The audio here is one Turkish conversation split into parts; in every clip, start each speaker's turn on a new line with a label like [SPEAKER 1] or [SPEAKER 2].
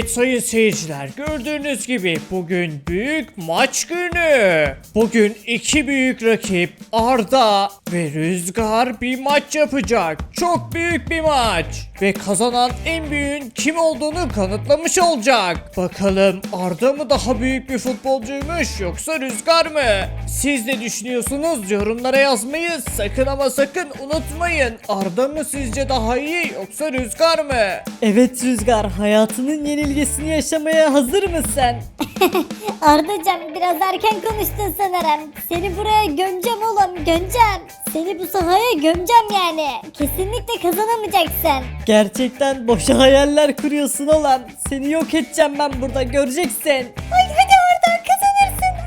[SPEAKER 1] Evet sayın seyirciler, gördüğünüz gibi bugün büyük maç günü. Bugün iki büyük rakip Arda ve Rüzgar bir maç yapacak. Çok büyük bir maç. Ve kazanan en büyüğün kim olduğunu kanıtlamış olacak. Bakalım Arda mı daha büyük bir futbolcuymuş yoksa Rüzgar mı? Siz ne düşünüyorsunuz? Yorumlara yazmayı sakın ama sakın unutmayın. Arda mı sizce daha iyi yoksa Rüzgar mı?
[SPEAKER 2] Evet Rüzgar, hayatının yenilgisini yaşamaya hazır mısın?
[SPEAKER 3] Ardacığım biraz erken konuştun sanırım. Seni buraya gömeceğim oğlum, gömeceğim. Seni bu sahaya gömeceğim yani. Kesinlikle kazanamayacaksın.
[SPEAKER 2] Gerçekten boşa hayaller kuruyorsun oğlum. Seni yok edeceğim ben burada, göreceksin.
[SPEAKER 3] Ay hadi Arda kazanırsın.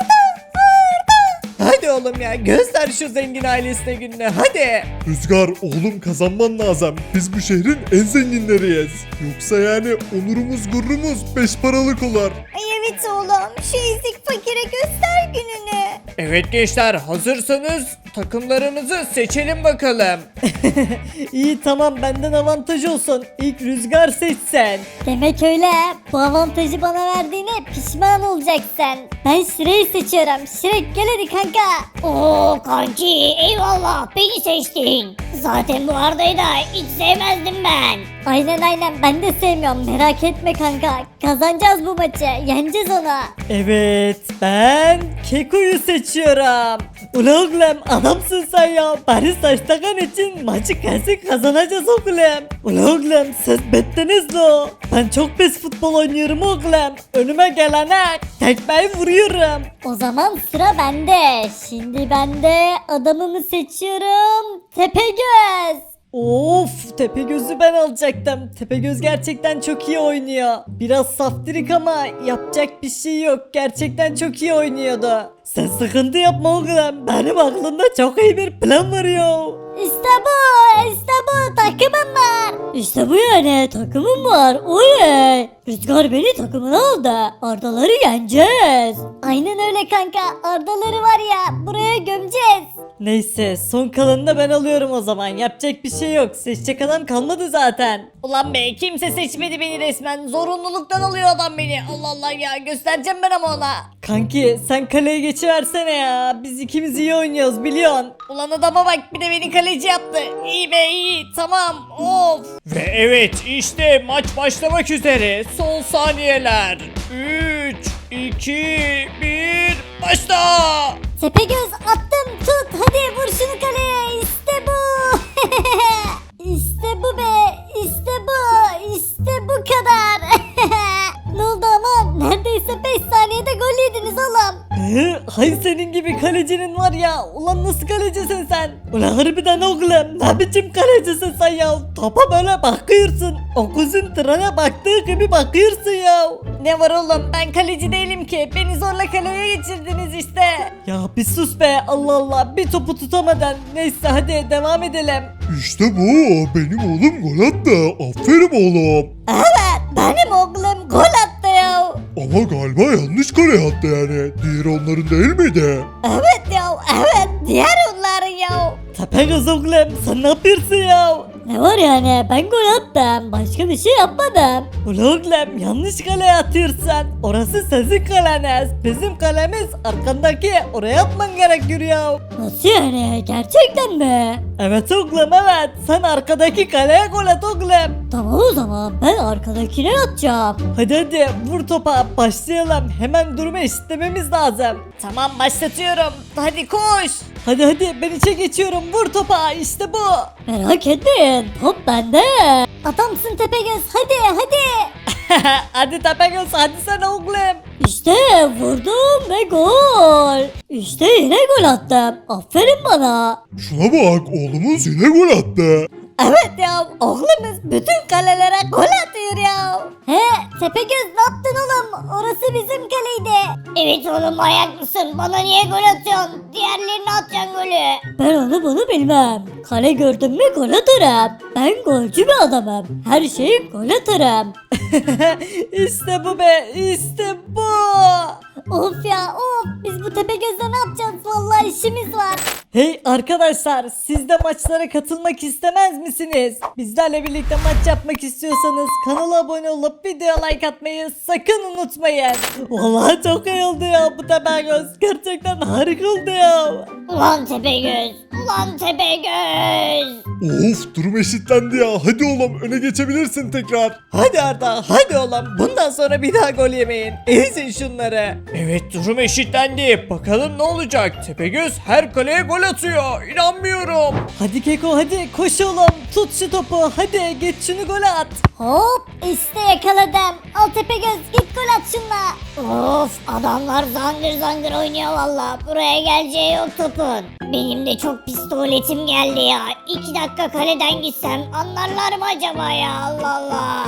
[SPEAKER 3] Arda.
[SPEAKER 1] Hadi oğlum ya, göster şu zengin ailesine gününü hadi.
[SPEAKER 4] Rüzgar oğlum kazanman lazım. Biz bu şehrin en zenginleriyiz. Yoksa yani onurumuz gururumuz beş paralık olur.
[SPEAKER 3] Ay evet oğlum, şu ezik fakire göster gününü.
[SPEAKER 1] Evet gençler, hazırsanız takımlarınızı seçelim bakalım.
[SPEAKER 2] İyi tamam, benden avantaj olsun. İlk Rüzgar seçsen.
[SPEAKER 3] Demek öyle. Bu avantajı bana verdiğine pişman olacaksın. Ben Şirek'i seçiyorum. Şirek gel hadi kanka.
[SPEAKER 5] Oo kanki eyvallah beni seçtin. Zaten bu Arda'yı da hiç sevmezdim ben.
[SPEAKER 3] Aynen ben de sevmiyorum. Merak etme kanka. Kazanacağız bu maçı. Yeneceğiz onu.
[SPEAKER 2] Evet, ben Keko'yu seçiyorum. Ulan oğlum, adamsın sen ya. Bari saç takan için maçı kesin kazanacağız oğlum. Ulan oğlum, siz bittiniz lo. Ben çok pes futbol oynuyorum oğlum. Önüme gelene tekmeyi vuruyorum.
[SPEAKER 3] O zaman sıra bende. Şimdi ben de adamımı seçiyorum. Tepegöz.
[SPEAKER 2] Of, Tepegöz'ü ben alacaktım. Tepegöz gerçekten çok iyi oynuyor. Biraz saftirik ama yapacak bir şey yok. Gerçekten çok iyi oynuyordu. Sen sıkıntı yapma oğlum. Benim aklımda çok iyi bir plan var ya.
[SPEAKER 3] İşte bu takımım var. İşte bu yani takımım var. Oley. Rüzgar beni takımına aldı. Ardaları yeneceğiz. Aynen öyle kanka. Ardaları var ya buraya gömeceğiz.
[SPEAKER 2] Neyse, son kalanını da ben alıyorum o zaman. Yapacak bir şey yok. Seçecek adam kalmadı zaten.
[SPEAKER 5] Ulan be kimse seçmedi beni resmen. Zorunluluktan alıyor adam beni. Allah Allah ya göstereceğim ben ama ona.
[SPEAKER 2] Kanki sen kaleye geçiversene ya. Biz ikimiz iyi oynuyoruz biliyorsun.
[SPEAKER 5] Ulan adama bak bir de beni kaleci yaptı. İyi be iyi tamam of.
[SPEAKER 1] Ve evet, işte maç başlamak üzere. Son saniyeler. 3, 2, 1, başla.
[SPEAKER 3] Tepegöz attım tut. Hadi vur şunu kaleye. İşte bu. İşte bu be. İşte bu. İşte bu kadar. Ne oldu ama? Neredeyse 5 saniyede gol yediniz oğlum.
[SPEAKER 2] Hay senin gibi kalecinin var ya. Ulan nasıl kalecisin sen? Ulan harbiden oğlum, ne biçim kalecisin sen ya? Topa böyle bakıyorsun. O kuzun trene baktığı gibi bakıyorsun ya.
[SPEAKER 5] Ne var oğlum ben kaleci değilim ki. Beni zorla kaleye geçirdiniz işte.
[SPEAKER 2] Ya bir sus be, Allah Allah, bir topu tutamadan. Neyse hadi devam edelim.
[SPEAKER 4] İşte bu benim oğlum gol attı. Aferin oğlum.
[SPEAKER 3] Evet benim oğlum gol attı ya.
[SPEAKER 4] Ama galiba yanlış kare attı yani. Diğeri onların değil miydi?
[SPEAKER 3] Evet ya evet diğer onların ya.
[SPEAKER 2] Tepegöz oğlum, sen ne yapıyorsun ya?
[SPEAKER 3] Ne var yani ben gol attım başka bir şey yapmadım.
[SPEAKER 2] Ulan oğlum, yanlış kaleye atıyorsun. Orası sizin kaleniz. Bizim kalemiz arkandaki, oraya atman gerekiyor ya.
[SPEAKER 3] Nasıl yani gerçekten mi?
[SPEAKER 2] Evet oğlum evet, sen arkadaki kaleye gol at oğlum.
[SPEAKER 3] Tamam o zaman ben arkadakine atacağım.
[SPEAKER 2] Hadi vur topa, başlayalım. Hemen durumu eşitlememiz lazım.
[SPEAKER 5] Tamam başlatıyorum. Hadi koş.
[SPEAKER 2] Hadi ben içe geçiyorum, vur topa, işte bu.
[SPEAKER 3] Merak etmeyin top bende. Adamsın Tepegöz hadi.
[SPEAKER 2] Hadi Tepegöz, hadi sen oğlum.
[SPEAKER 3] İşte vurdum ve gol. İşte yine gol attım. Aferin bana.
[SPEAKER 4] Şuna bak oğlumuz yine gol attı.
[SPEAKER 3] Evet ya oğlumuz bütün kalelere gol atıyor ya. He Tepegöz ne yaptın oğlum? Orası bizim kaleydi.
[SPEAKER 5] Evet oğlum ayak mısın? Bana niye gol atıyorsun? Diğerlerine atacaksın golü.
[SPEAKER 3] Ben onu bunu bilmem. Kale gördüm mü gol atarım. Ben golcü bir adamım. Her şeyi gol atarım.
[SPEAKER 2] İşte bu be, işte bu.
[SPEAKER 3] Of ya of biz bu Tepegöz'le ne yapacağız? Vallahi işimiz var.
[SPEAKER 2] Hey arkadaşlar, siz de maçlara katılmak istemez misiniz? Bizlerle birlikte maç yapmak istiyorsanız kanala abone olup video like atmayı sakın unutmayın. Vallahi çok iyi oldu ya bu Tepegöz. Gerçekten harika oldu ya.
[SPEAKER 5] Ulan Tepegöz. Ulan Tepegöz.
[SPEAKER 4] Of durum eşitlendi ya. Hadi oğlum öne geçebilirsin tekrar.
[SPEAKER 2] Hadi Arda, hadi oğlum. Bundan sonra bir daha gol yemeyin. Ezin şunları.
[SPEAKER 1] Evet durum eşitlendi. Bakalım ne olacak? Tepegöz her kaleye gol atıyor. İnanmıyorum.
[SPEAKER 2] Hadi Keko, hadi koş oğlum. Tut şu topu. Hadi geç şunu gol at.
[SPEAKER 3] Hop işte yakaladım. Al Tepegöz git gol at şunla.
[SPEAKER 5] Of adamlar zangır zangır oynuyor valla. Buraya geleceği yok topun. Benim de çok pis tuvaletim geldi ya. 2 dakika kaleden gitsem anlarlar mı acaba ya, Allah Allah.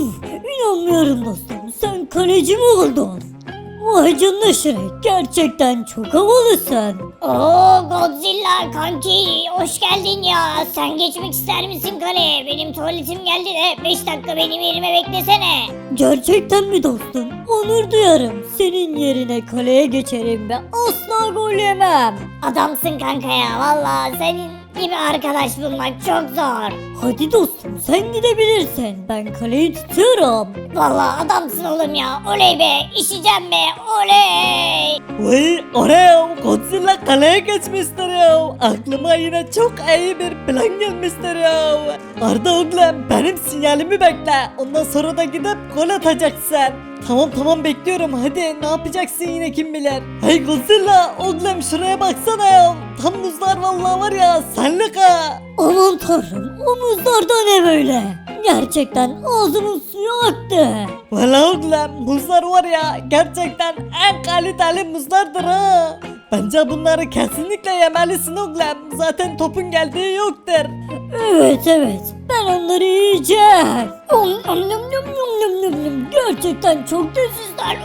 [SPEAKER 3] İnanmıyorum dostum. Sen kaleci mi oldun? Vay canına Şirek. Gerçekten çok havalısın.
[SPEAKER 5] Oo Godzilla kanki hoş geldin ya. Sen geçmek ister misin kaleye? Benim tuvaletim geldi de 5 dakika benim yerime beklesene.
[SPEAKER 3] Gerçekten mi dostum? Onur duyarım. Senin yerine kaleye geçerim ve asla gol yemem.
[SPEAKER 5] Adamsın kanka ya, valla senin gibi arkadaş bulmak çok zor.
[SPEAKER 3] Hadi dostum sen gidebilirsin. Ben kaleyi tutuyorum.
[SPEAKER 5] Valla adamsın oğlum ya, oley be, işeceğim be, oley.
[SPEAKER 2] Vay oraya Godzilla kaleye geçmiştir ya. Aklıma yine çok iyi bir plan gelmiştir ya. Arda oğlum benim sinyalimi bekle. Ondan sonra da gidip gol atacaksın. Tamam bekliyorum, hadi ne yapacaksın yine kim bilir. Hey Godzilla oğlum şuraya baksana ya. Tam muzlar vallahi var ya, senlik ha.
[SPEAKER 3] Aman tanrım omuzlarda ne böyle? Gerçekten ağzımın suyu aktı.
[SPEAKER 2] Valla oğlum muzlar var ya, gerçekten en kaliteli muzlardır ha. Bence bunları kesinlikle yemelisin oğlum. Zaten topun geldiği yoktur.
[SPEAKER 3] Evet ben onları yiyeceğim. Gerçekten çok lezzetler.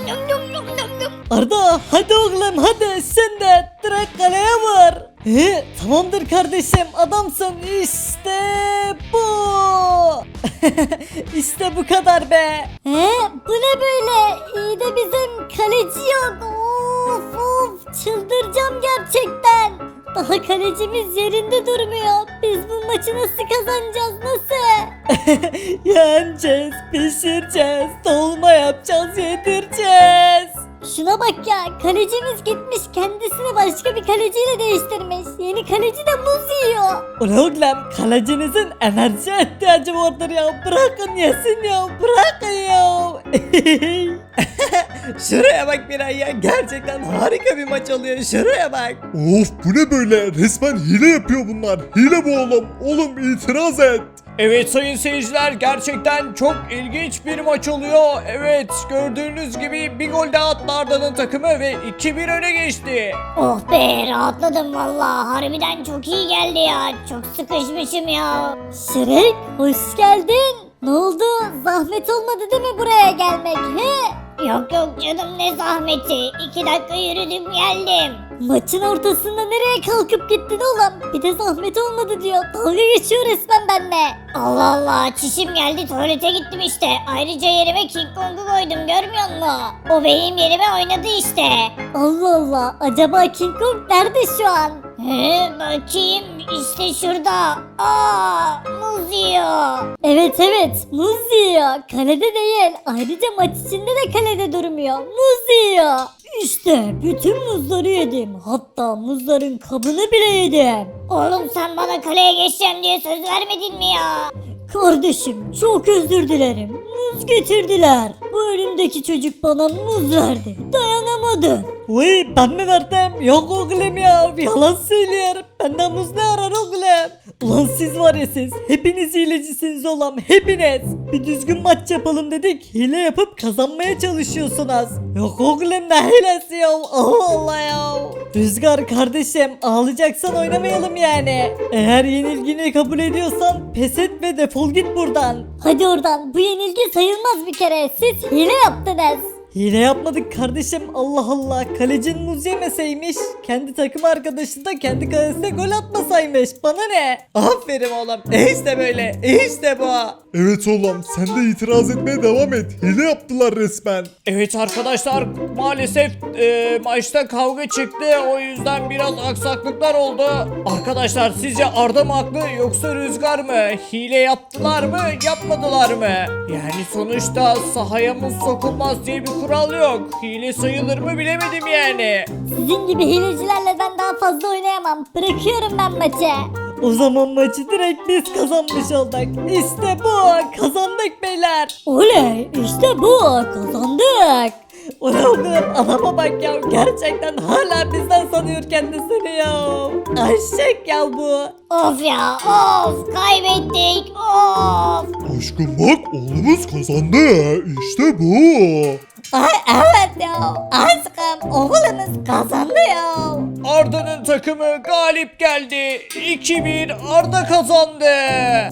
[SPEAKER 2] Arda hadi oğlum hadi, sen de direkt kaleye vur. Tamamdır kardeşim, adamsın, işte bu. İşte bu kadar be.
[SPEAKER 3] Bu ne böyle? İyi de bizim kaleci yok. Of çıldıracağım gerçekten. Daha kalecimiz yerinde durmuyor. Biz bu maçı nasıl kazanacağız, nasıl?
[SPEAKER 2] Yeneceğiz, pişireceğiz, dolma yapacağız, yedireceğiz.
[SPEAKER 3] Şuna bak ya, kalecimiz gitmiş kendisini başka bir kaleciyle değiştirmiş. Yeni kaleci de muz yiyor.
[SPEAKER 2] Ulan oğlum kalecinizin enerjiye ihtiyacı vardır ya. Bırakın yesin ya, bırakın ya. Şuraya bak Miray ya, gerçekten harika bir maç oluyor, şuraya bak.
[SPEAKER 4] Of bu ne böyle? Resmen hile yapıyor bunlar. Hile bu oğlum. Oğlum itiraz et.
[SPEAKER 1] Evet sayın seyirciler, gerçekten çok ilginç bir maç oluyor. Evet gördüğünüz gibi bir gol daha attı Arda'nın takımı ve 2-1 öne geçti.
[SPEAKER 5] Oh be, rahatladım valla, harbiden çok iyi geldi ya. Çok sıkışmışım ya.
[SPEAKER 3] Şirek hoş geldin. Ne oldu? Zahmet olmadı değil mi buraya gelmek?
[SPEAKER 5] Yok canım, ne zahmeti. 2 dakika yürüdüm geldim.
[SPEAKER 3] Maçın ortasında nereye kalkıp gittin oğlum? Bir de zahmet olmadı diyor. Dalga geçiyor resmen benimle.
[SPEAKER 5] Allah Allah, çişim geldi, tuvalete gittim işte. Ayrıca yerime King Kong'u koydum, görmüyor musun? O benim yerime oynadı işte.
[SPEAKER 3] Allah Allah. Acaba King Kong nerede şu an?
[SPEAKER 5] Bakayım, işte şurada. Muz yiyor.
[SPEAKER 3] Evet muz yiyor. Kalede değil. Ayrıca maç içinde de kalede durmuyor. Muz yiyor. İşte bütün muzları yedim. Hatta muzların kabını bile yedim.
[SPEAKER 5] Oğlum sen bana kaleye geçeceğim diye söz vermedin mi ya?
[SPEAKER 3] Kardeşim çok özür dilerim. Muz getirdiler. Bu önümdeki çocuk bana muz verdi. Dayanamadı.
[SPEAKER 2] Uy ben mi verdim? Yok oğlum ya, yalan söylüyor. Benden muz ne arar oğlum? Ulan siz var ya siz, hepiniz hilecisiniz oğlum, hepiniz. Bir düzgün maç yapalım dedik, hile yapıp kazanmaya çalışıyorsunuz. Yok oğlum ne hilesi ya, Allah Allah ya. Rüzgar kardeşim, ağlayacaksan oynamayalım yani. Eğer yenilgini kabul ediyorsan pes et ve defol git buradan.
[SPEAKER 3] Hadi oradan. Bu yenilgi sayılmaz bir kere. Siz hile yaptınız.
[SPEAKER 2] Hile yapmadık kardeşim, Allah Allah. Kalecin muz yemeseymiş, kendi takım arkadaşı da kendi kalesine gol atmasaymış. Bana ne? Aferin oğlum, işte böyle, işte bu.
[SPEAKER 4] Evet oğlum sen de itiraz etmeye devam et. Hile yaptılar resmen.
[SPEAKER 1] Evet arkadaşlar maalesef maçta kavga çıktı. O yüzden biraz aksaklıklar oldu. Arkadaşlar sizce Arda mı haklı yoksa Rüzgar mı? Hile yaptılar mı yapmadılar mı? Yani sonuçta sahaya muz sokulmaz diye bir kural yok. Hile sayılır mı bilemedim yani.
[SPEAKER 3] Sizin gibi hilecilerle ben daha fazla oynayamam. Bırakıyorum ben maçı.
[SPEAKER 2] O zaman maçı direkt biz kazanmış olduk. İşte bu, kazandık beyler.
[SPEAKER 3] Oley işte bu kazandık.
[SPEAKER 2] Ulan oğlum, adama bak ya, gerçekten hala bizden sanıyor kendisini ya. Eşek ya bu.
[SPEAKER 5] Of ya of kaybettik of.
[SPEAKER 4] Aşkım bak oğlumuz kazandı. İşte bu.
[SPEAKER 3] Ay evet ya. Aşkım oğlumuz kazandı ya.
[SPEAKER 1] Arda'nın takımı galip geldi. 2-1 Arda kazandı.